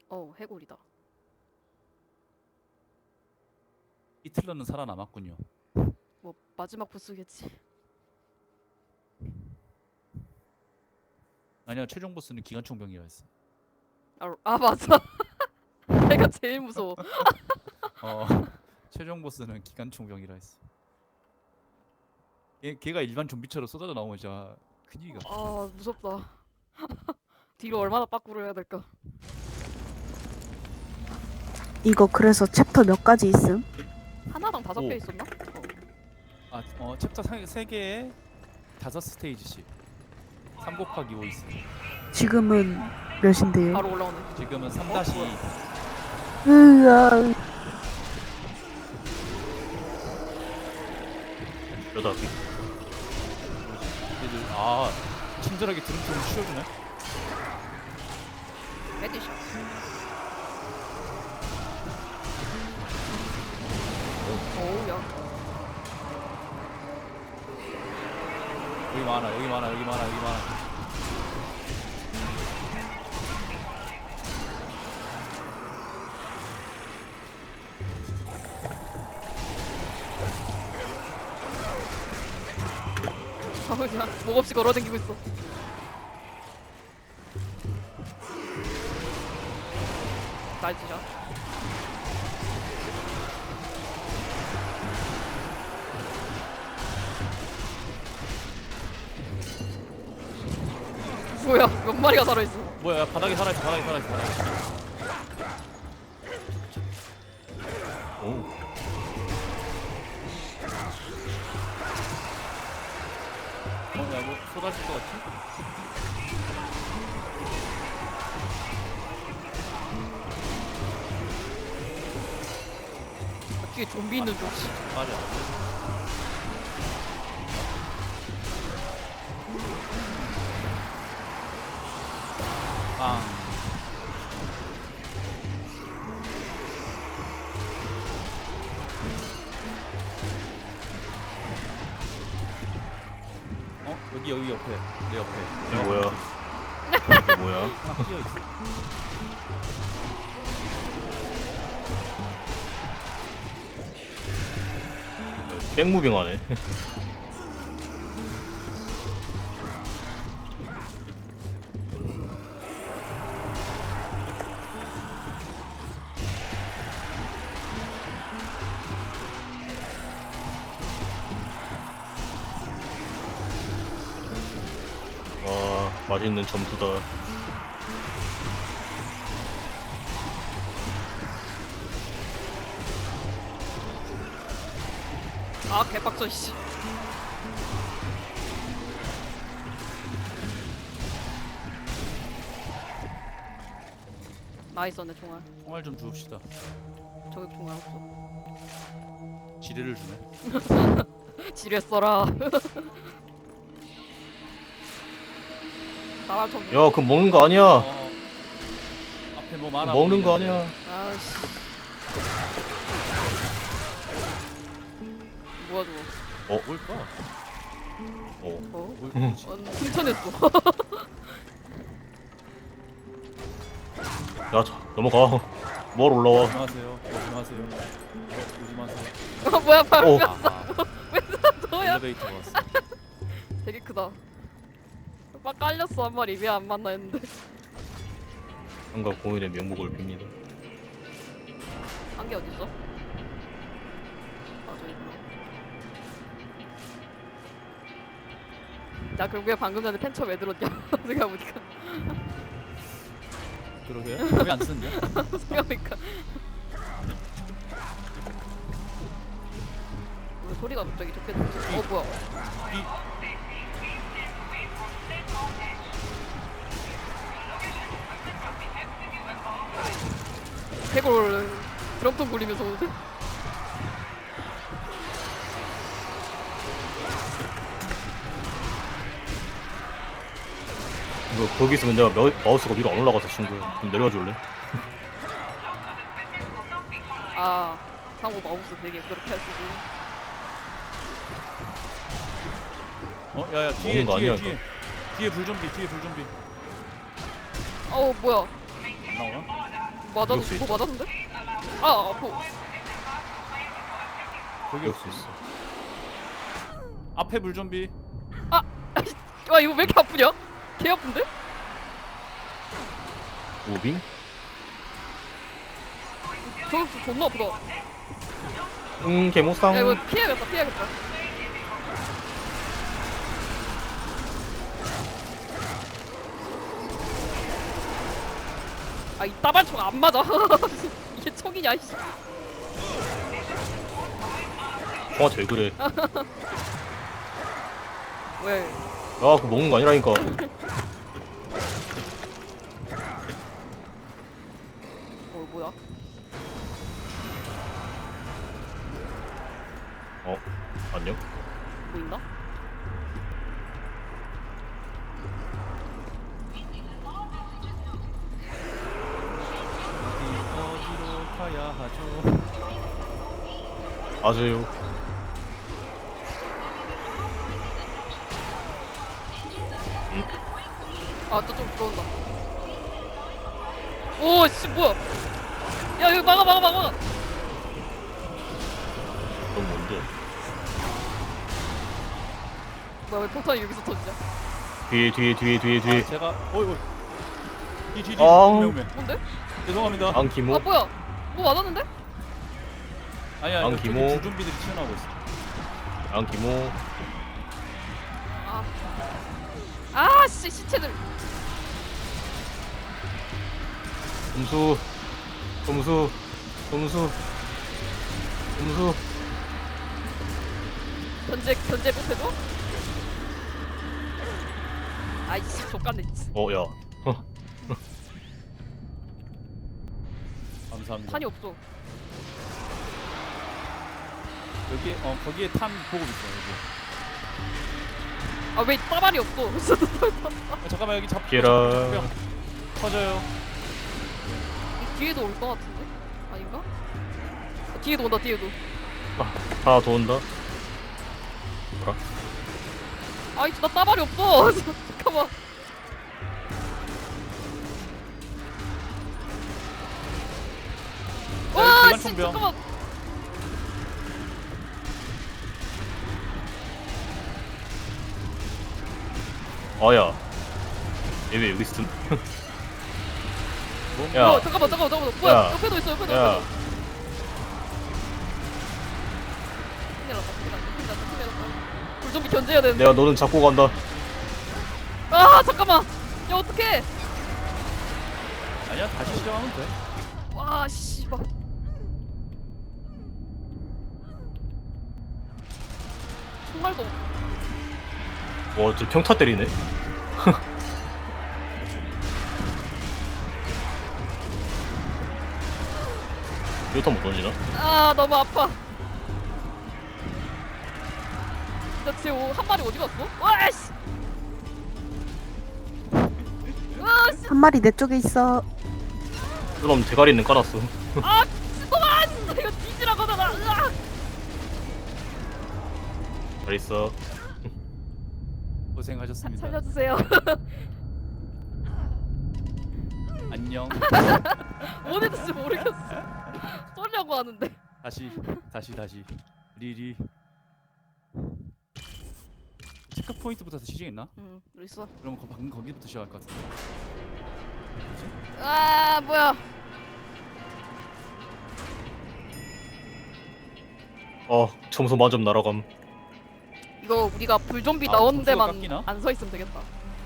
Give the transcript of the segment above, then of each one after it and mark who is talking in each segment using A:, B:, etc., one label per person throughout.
A: 해골이다.
B: 히틀러는 살아남았군요.
A: 뭐 마지막 보스겠지.
B: 아니야, 최종 보스는 기관총병이라 했어.
A: 맞아. 내가 제일 무서워.
B: 어, 최종 보스는 기관총병이라 했어. 걔가 일반 좀비처럼 쏟아져 나오면 진짜 큰일이가.
A: 아 무섭다. 뒤로 얼마나 빠꾸를 해야 될까?
C: 이거 그래서 챕터 몇 가지 있음?
A: 하나당 5개
B: 오.
A: 있었나?
B: 챕터 3개에 5스테이지씩 3 곱하기 5 있어.
C: 지금은 몇인데요?
A: 바로 올라오네.
B: 지금은 3-2.
C: 으아,
D: 여다기.
B: 얘들 친절하게 드럼통을 치워주네.
A: 헤드샷. 오우야.
B: 여기 많아, 여기 많아, 여기 많아, 여기 많아.
A: 그냥 목 없이 걸어다니고 있어. 나이스샷. 뭐야? 몇 마리가 살아있어?
B: 뭐야, 바닥에 살아있어, 바닥에 살아있어, 바닥에.
D: 오.
B: 야, 뭐 쏟아질 것 같지?
A: 뒤에 좀비 있는 줄.
B: 맞아. 빵. 여기 옆에, 내 옆에.
D: 이게 뭐야? 이게 뭐야?
B: 하나 끼어 있어.
D: 백무빙하네. 와, 맛있는 점수다.
A: 개빡쳐 씨. 나 있었네 총알.
B: 총알 좀 주읍시다.
A: 저기 총알 없어.
B: 지뢰를 주네.
A: 지뢰 써라. 나랑 좀.
D: 야, 그거 먹는 거 아니야.
B: 앞에 뭐 많아.
D: 먹는 거
B: 보이는데.
D: 아니야.
A: 아씨. 뭐야 저거?
B: 뭘까?
D: 어.
A: 훔쳐냈어.
D: 야, 넘어가. 뭘 올라와.
B: 조심하세요. 조심하세요. 조심하세요.
A: 뭐야 바로
D: 오.
A: 너야?
B: 엘리베이터 왔어.
A: 되게 크다. 막 깔렸어 한 마리 왜 안 만나 했는데
D: 한가 공인의 명목을 빕니다.
A: 한 개 어딨어? 저기 있구나. 나 결국에 방금 전에 펜처 왜 들었냐 생각해보니까
B: 그러게. 왜 안 쓰냐?
A: 생각해보니까 왜 소리가 갑자기 좋게 들리지? 뭐야 해골 드럼통 굴리면서 오는데?
D: 이거 거기 있으면 내가 마우스가 위로 안 올라가서 친구. 좀 내려가 줄래?
A: 상호 마우스 되게 그렇게 할 수도
B: 야야 뒤에
D: 먹는 거 아니야,
B: 뒤에 불좀비 뒤에 불좀비.
A: 뭐야
B: 안 나오나?
D: 이럴 수
A: 이거
D: 있어.
A: 맞았는데? 아 아파.
B: 거기
D: 이럴 수 있어.
B: 앞에 물 좀비.
A: 와 이거 왜 이렇게 아프냐? 개 아픈데?
D: 무빙?
A: 저거 존나 아프다.
D: 개모상.
A: 야 이거 피해야겠다. 아 이 따발총 안 맞아. 이게 총이냐 이씨.
D: 와, 쟤 그래.
A: 왜?
D: 아, 그거 먹는 거 아니라니까.
A: 뭐야?
D: 안녕?
A: 보인다?
B: 어디로 가야 하죠?
D: 맞아요.
A: 아, 또 좀 들어온다. 오, 씨, 뭐야? 야, 여기 막아.
D: 넌 뭔데?
A: 뭐야, 왜 폭탄이 여기서 터지냐?
D: 뒤에.
B: 제가 어이. 뒤.
D: 아우.
B: 오메.
A: 뭔데?
B: 죄송합니다.
D: 안기모.
A: 아, 뭐야? 뭐 맞았는데?
B: 아니야.
D: 안
B: 저기
D: 기모.
B: 줄 좀비들이 튀어나오고 있어.
D: 안기모.
A: 아, 씨, 시체들.
D: 점수.
A: 견제 못해줘? 아이씨, 족같네.
D: 야.
B: 감사합니다.
A: 탄이 없어.
B: 여기 거기에 탄 보급 있어 여기.
A: 아, 왜 따발이 없어?
B: 잠깐만 여기 잡.
D: 피해라.
B: 뿅. 터져요.
A: 이 뒤에도 올 것 같은데? 아닌가? 뒤에도 온다.
D: 하나 더 온다. 뭐라?
A: 아이씨, 나 따발이 없어. 잠깐만. 와,
B: 기관
A: 씨,
B: 총병.
A: 잠깐만.
D: 야. 얘 왜 여기 있음?
B: 야.
A: 어, 잠깐만. 뭐야?
D: 야.
A: 옆에도 있어.
D: 야.
A: 큰일 났다. 불좀비 견제해야 되는데.
D: 내가 너는 잡고 간다.
A: 아, 잠깐만. 야, 어떡해.
B: 아니야 다시 시작하면 돼.
A: 와, 씨발. 정말도.
D: 저 평타 때리네. 이거 못 던지나?
A: 아, 너무 아파. 나 지금 한 마리 어디 갔어? 와, 씨. 와, 씨.
C: 한 마리 내 쪽에 있어.
D: 그럼 대가리는 깔았어.
A: 아, 잠깐만. 이거 뒤지라고 하잖아. 으악.
D: 잘 있어.
B: 고생하셨습니다.
A: 살려주세요.
B: 안녕.
A: 어디 있는지 모르겠어. 쏘려고 하는데.
B: 다시 리리. 체크 포인트부터 시작했나?
A: 응, 있어.
B: 그럼 방금 거기부터 시작할 것 같은데.
A: 아, 뭐야?
D: 점수 만점 날아감.
A: 이거 우리가 불좀비
B: 아,
A: 나오는
B: 점수가
A: 데만
B: 깎이나?
A: 안 서 있으면 되겠다.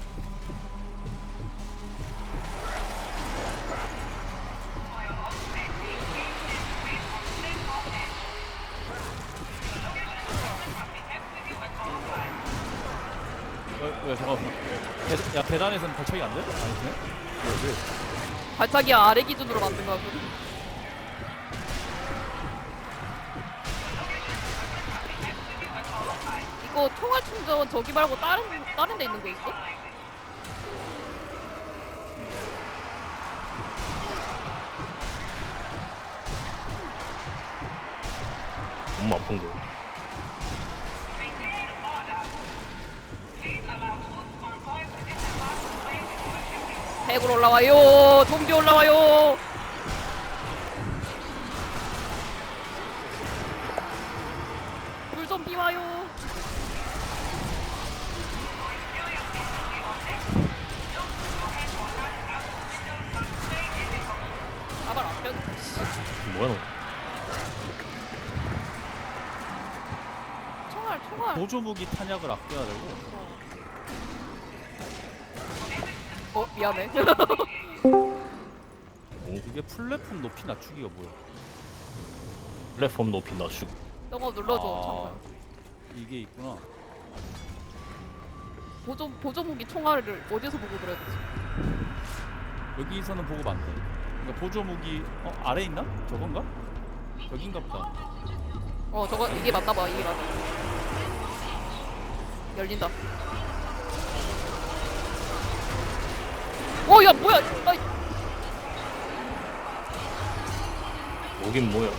B: 왜 잠깐만. 야 계단에서는 발차기 안 돼? 아니네. 왜?
A: 발차기 아래 기준으로 만든 거거든. 이거 총알 충전 저기 말고 다른 데 있는 거 있어?
D: 너무 아픈 거.
A: 핵으로 올라와요. 좀비 올라와요. 좀비 와요. 가발 안 펴.
D: 뭐야 너?
A: 총알.
B: 보조무기 탄약을 아껴야 되고.
A: 미안해.
B: 이게 플랫폼 높이 낮추기가 뭐야?
D: 플랫폼 높이 낮추고.
A: 너가 눌러줘. 잠깐.
B: 이게 있구나.
A: 보조 무기 총알을 어디서 보고 그래야 되지?
B: 여기서는 보고 만돼. 그러니까 보조무기 아래 있나? 저건가? 여긴가 보다.
A: 저거 이게 맞나 봐. 이게 맞아. 열린다. 야 뭐야? 아이.
D: 여긴 뭐야?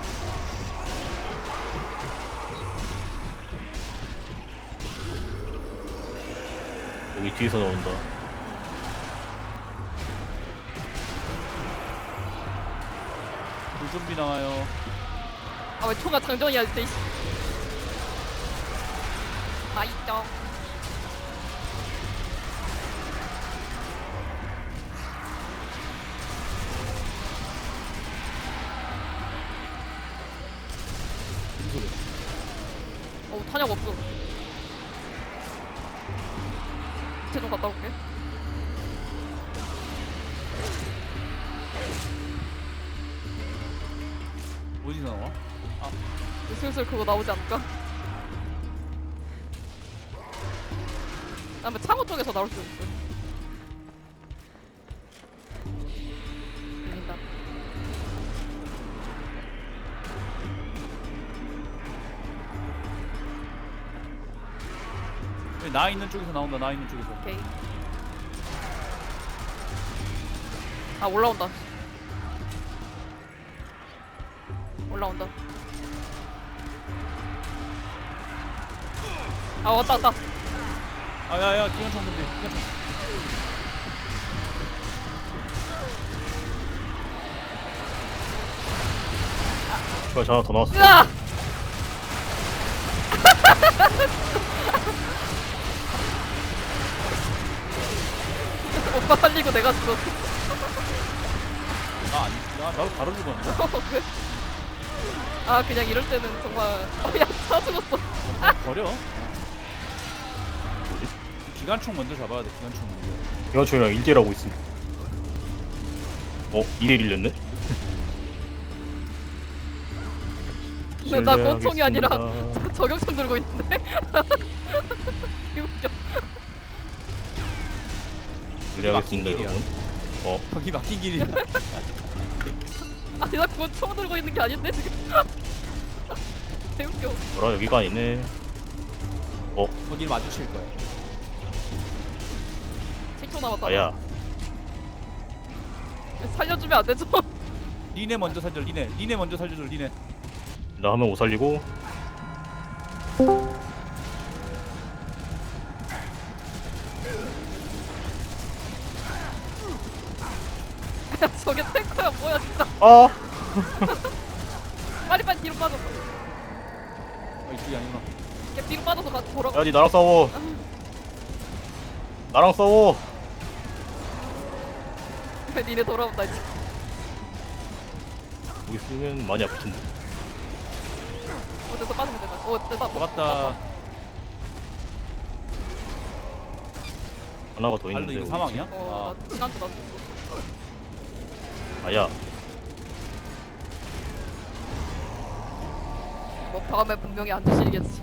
D: 여기 뒤에서 나온다.
B: 불좀비 나와요.
A: 왜 총알 장전이야 진짜. 맛있죠.
B: 무슨 소리야?
A: 탄약 없어. 쟤좀 갔다 올게.
B: 어디서 나와?
A: 슬슬 그거 나오지 않을까? 아마 창호 쪽에서 나올 수도 있어. 들린다.
B: 나 있는 쪽에서 나온다. 나 있는 쪽에서.
A: 오케이. 올라온다. 올라온다. 왔다.
B: 야야 기관총 준비. 기관총.
D: 저 하나 더 나왔어.
A: 으아! 오빠 살리고 내가 죽었어.
B: 나도 바로 죽었는데.
A: 왜? 그냥 이럴 때는 정말 야, 다 죽었어.
B: 버려.
D: 뭐지?
B: 기관총 먼저 잡아야 돼. 기관총 먼저.
D: 기관총이랑 1대1 하고 있음. 2대1 일렸네?
A: 근데 나 권총이 아니라
D: 실례하겠습니다.
A: 저격총 들고 있는데? 웃겨.
D: 실례하겠습니다 여러분.
B: 거기 막힌 길이야.
A: 나 권총 들고 있는 게 아닌데 지금? 개웃겨.
D: 뭐라 여기가 아니네.
B: 거길 마주칠 거야.
A: 7초 남았다.
D: 아야.
A: 살려주면 안 되죠?
B: 리네 먼저 살려. 리네 먼저 살려줘. 리네.
D: 나 하면 못 살리고.
A: 저게 탱커야 뭐야 진짜. 빨리 뒤로 빠져.
B: 이쪽이 아니구나.
A: 걔 뒤로 빠져서 돌아가.
D: 야, 니 나랑 싸워. 나랑 싸워.
A: 니네 돌아온다 이제.
D: 여기 쓰면 많이 아플 텐데.
A: 됐어 빠지면 된다. 됐다.
B: 막았다.
D: 하나가 더
B: 발로
D: 있는데.
B: 이거
D: 여기.
B: 사망이야?
A: 나 지난주 나 죽었어.
D: 아야.
A: 다음에 분명히 안 주시겠지.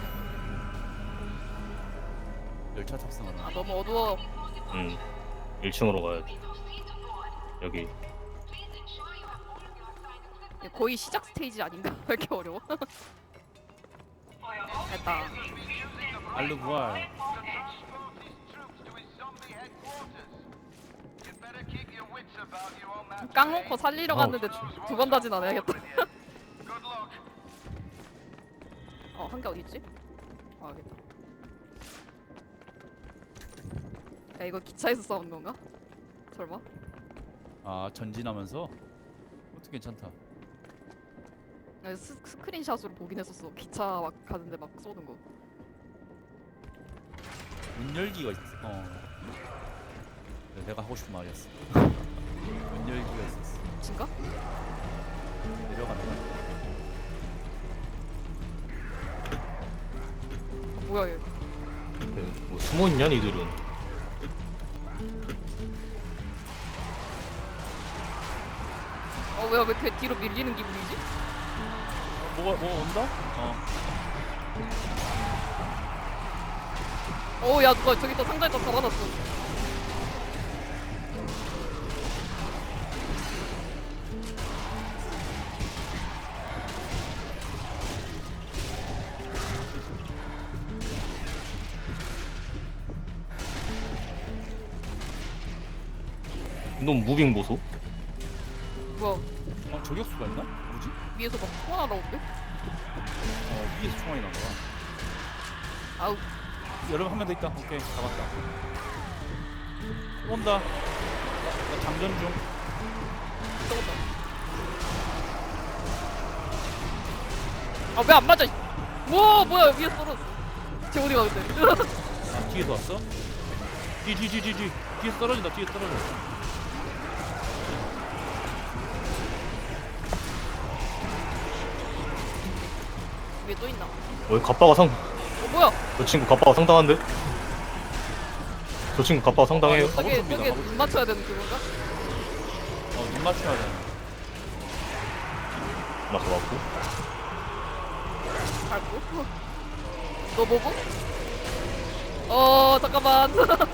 B: 열차 탑승하나.
A: 너무 어두워.
D: 1층으로 가야 돼. 여기.
A: 거의 시작 스테이지 아닌가? 왜 이렇게 어려워? 됐다.
B: 알르 부활.
A: 깡 놓고 살리러 갔는데 두 번 다진 안 해야겠다. 한 개 어디 있지? 알겠다. 야 이거 기차에서 싸우는 건가? 설마?
B: 전진하면서? 그것도 괜찮다.
A: 스크린샷으로 보긴 했었어. 기차 막 가는데 막 쏘는 거.
B: 문 열기가 있어. 네, 내가 하고 싶은 말이었어. 문 열기가 있었어.
A: 진가?
B: 내려간다.
A: 뭐야 얘?
D: 뭐 숨어있냐 니들은.
A: 뭐야 왜 이렇게 뒤로 밀리는 기분이지?
B: 뭐가 온다?
A: 야 누가 저기다 상자에다 잡아놨어.
D: 이놈 무빙 보소.
A: 뭐야
B: 저격수가 있나? 뭐지?
A: 위에서 막 소원 날아오는데?
B: 위에서 총알이 난 거야.
A: 아우
B: 여러분 한 명 더 있다. 오케이 잡았다. 온다. 나 장전 중.
A: 썩었다. 아 왜 안 맞아? 뭐야 위에서 떨어졌어. 쟤 어디 가 근데?
B: 아, 뒤에서 왔어? 뒤 뒤에서 떨어진다. 뒤에서 떨어져.
A: 위에 또 있나?
D: 갑바가
A: 뭐야?
D: 저 친구 갑바가 상당한데? 저 친구 갑바가 상당해요.
A: 저게
B: 가보십니다.
A: 눈 맞춰야 되는 그건가?
B: 눈 맞춰야 돼.
D: 맞춰봤고.
A: 밟고? 너 보고? 잠깐만.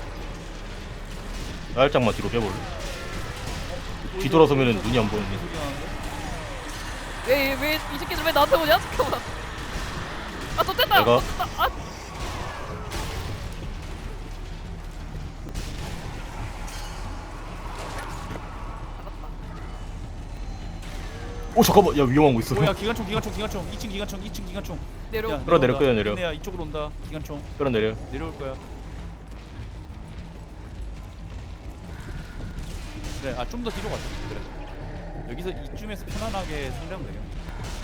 D: 살짝만 뒤로 빼볼래? 뒤돌아서면은 눈이 안 보이는데.
B: 소리 나는데?
A: 왜 이 새끼들 왜 나한테 오냐? 잠깐만. 또 뗐다.
D: 내가-
A: 또 뗐다.
D: 오 잠깐만, 야 위험한 거 있어.
B: 뭐야 기관총 2층 기관총.
A: 내려.
B: 야,
D: 끌어내려,
B: 내려온다.
D: 끌어내려.
B: 얘네야 이쪽으로 온다. 기관총
D: 끌어내려.
B: 내려올 거야. 그래, 좀 더 뒤로 가자. 그래. 여기서 이쯤에서 편안하게 상대하면 되겠네.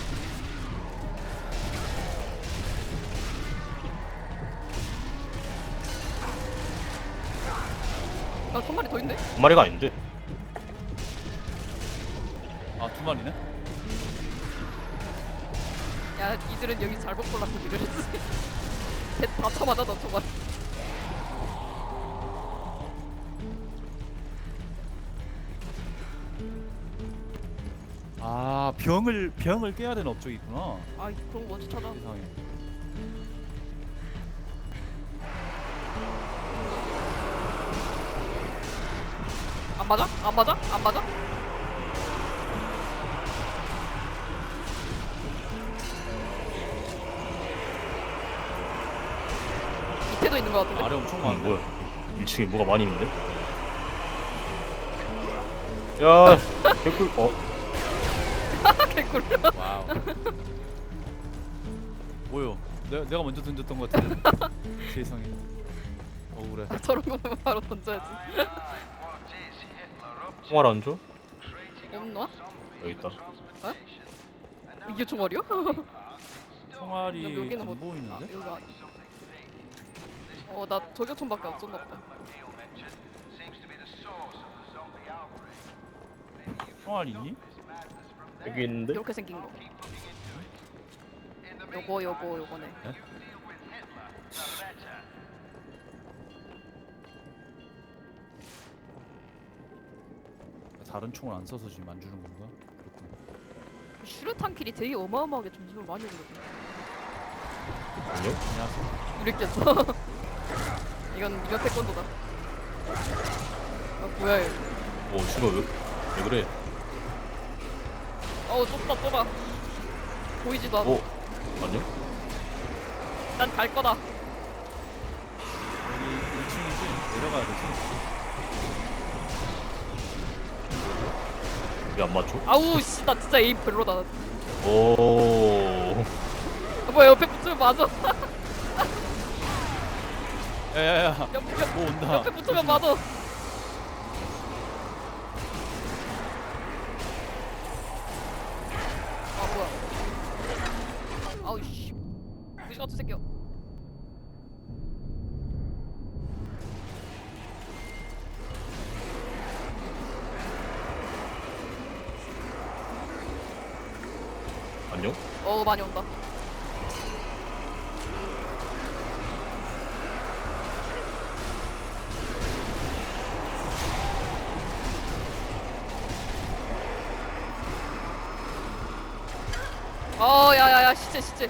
A: 한 마리 더 있네.
D: 한 마리가 아닌데.
B: 두 마리네?
A: 야, 이들은 여기 잘못 골라서 이러지. 다 쳐맞아, 너 저거.
B: 병을 깨야 되는 업적이 있구나.
A: 아, 그런 거 먼저 찾아.
B: 세상에.
A: 안 맞아? 안 맞아? 안 맞아? 밑에도 있는 거 같은데?
B: 아래 엄청 많은데.
D: 뭐야? 1층에 뭐가 많이 있는데? 야, 개꿀.
A: 개꿀.
B: 와우. 뭐요? 내가 먼저 던졌던 것 같은데. 세상에. 그래.
A: 저런 거 보면 바로 던져야지.
D: 총알 안 줘?
A: 없나?
D: 여기 있다.
A: 이게 총알이야?
B: 총알이
A: 여기는
B: 안
A: 뭐-
B: 보이는데?
A: 여기가 아니- 나 저격총밖에 없었나 보다.
B: 총알 있니?
D: 여기 있는데?
A: 이렇게 생긴 거. 요거네.
B: 네? 다른 총을 안 써서 지금 안 주는 건가? 그렇군.
A: 슈르탄 킬이 되게 어마어마하게 점수를 많이 주거든.
D: 아니요?
B: 안녕하세요.
A: 이랬겠어. 이건 태권도다. 뭐야 얘.
D: 친구 왜 그래?
A: 좁다. 보이지도 않아.
D: 아니요?
A: 난 갈 거다.
B: 여기 1층이지? 내려가야 되지?
D: 왜 안 맞춰?
A: 아우 씨, 나 진짜 에임 별로다.
D: 오.
A: 뭐야 옆에 붙으면 맞아.
B: 야야야.
A: 옆에
B: 뭐 온다.
A: 붙으면 맞아. 뭐야? 저 새끼야.
D: 안녕?
A: 많이 온다. 야야야 시체.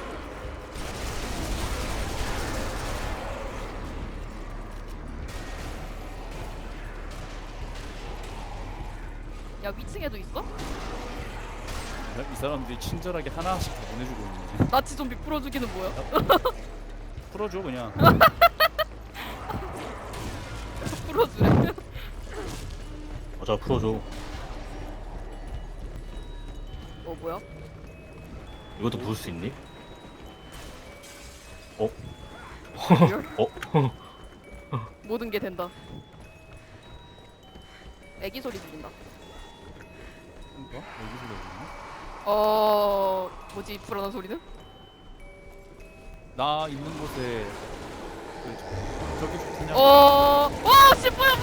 A: 야 위층에도 있어?
B: 이 사람들이 친절하게 하나씩 다 보내주고 있네.
A: 나치 좀비 풀어주기는 뭐야?
B: 풀어줘 그냥.
A: 풀어주래.
D: 맞아, 풀어줘.
A: 뭐야?
D: 이것도 부술 수 있니? 어?
A: 리얼?
D: 어?
A: 모든 게 된다. 애기 소리 들린다.
B: 뭔가? 여기 소리가
A: 뭐지 불안한 소리는?
B: 나 있는 곳에 저기 좋냐?
A: 씨 뭐야.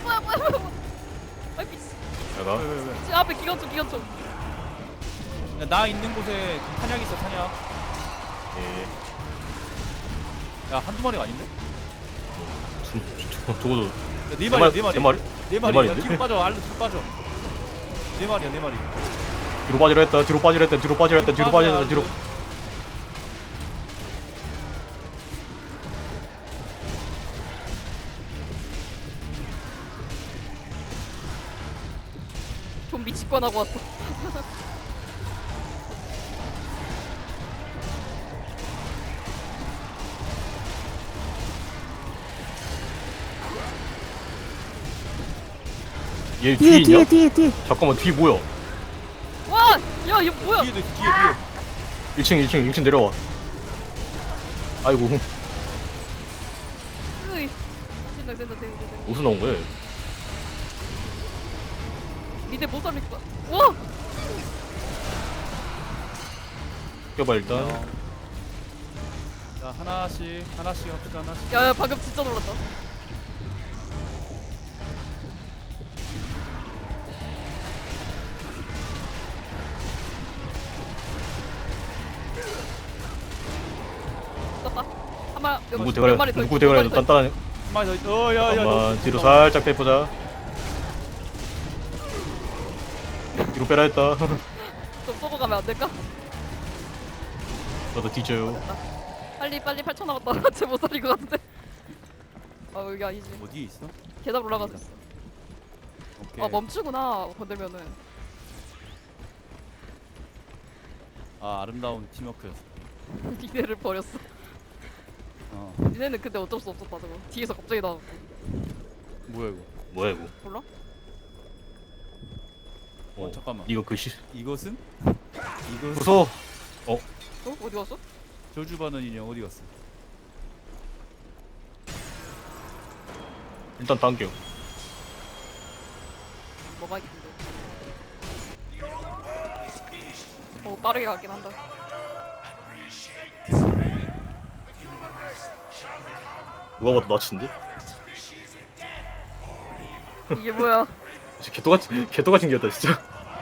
A: 아이 미치.
D: 내가?
B: 왜?
A: 앞에 기관총.
B: 야, 나 있는 곳에 탄약 있어 탄약.
D: 예.
B: 야 한두 마리가 아닌데?
D: 저거도.
B: 야, 네 마리.
D: 네 마리?
B: 네
D: 네
B: 마리. 야,
D: 마리인데?
B: 뒤로 빠져. 알로 뒤로 빠져. 네 마리야 네 마리.
D: 뒤로 빠지려 했다, 뒤로 빠지려 했다, 뒤로 빠지려 했다, 뒤로 빠지려 했다, 뒤로.
A: 좀비 직관하고 왔어.
D: 얘 뒤에 있냐?
C: 뒤에.
D: 잠깐만, 뒤 뭐야?
A: 와! 야 이거 뭐야?
B: 뒤에도 있어 뒤에.
D: 1층 내려와. 아이고,
A: 으이. 된다.
D: 무슨 나온 거야?
A: 미대 못 살릴 거야. 와!
D: 껴봐, 일단.
B: 자 하나씩 합시다 하나씩.
A: 야 방금 진짜 놀랐다. 떴다. 한마
D: 누구 대가리 단단하네.
B: 한 마리 더. 야야.
D: 잠깐만, 뒤로 살짝 빼보자. 뒤로 빼라 했다.
A: 좀 쏘고 가면 안 될까?
D: 너도 뒤져요.
A: 빨리 8천 남았다. 쟤 못 살릴 것 같은데. 여기 아니지.
B: 어디에 있어?
A: 계단 올라가서 있어.
B: 오케이.
A: 멈추구나. 건들면은.
B: 아름다운 팀워크였어.
A: 니네를 버렸어. 니네는 근데 어쩔 수 없었다 저거. 뒤에서 갑자기 나왔고.
B: 뭐야 이거?
D: 뭐야, 이거?
A: 몰라?
B: 잠깐만.
D: 이거 글씨.
B: 이것은?
D: 무서워.
A: 어디 갔어?
B: 저주받은 인형 어디 갔어?
D: 일단 당겨.
A: 뭐가 있는데? 빠르게 가긴 한다.
D: 누가 봐도 나치인데?
A: 이게 뭐야?
D: 진짜 개떡같이 생겼다, 진짜.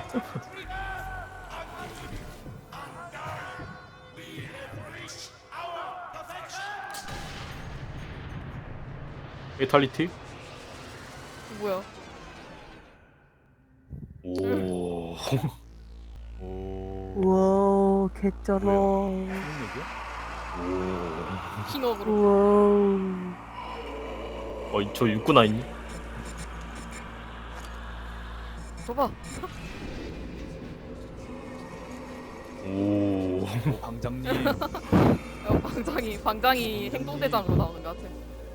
D: 페이탈리티?
A: 뭐야?
D: 오.
B: 오.
C: 우와 개쩔어.
B: 무슨 얘기야?
D: 오.
A: 킹업으로.
C: 우와.
D: 저 육군 아니니?
A: 줘봐.
D: 오.
B: 방장님.
A: 방장이 행동대장으로 나오는 것 같아.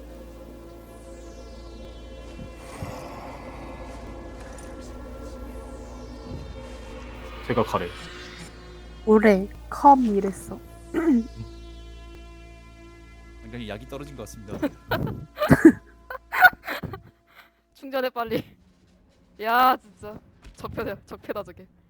D: 제가 가래.
C: 올해 컴 이랬어.
B: 굉장히 약이 떨어진 것 같습니다.
A: 충전해 빨리. 야 진짜 적폐다 저게.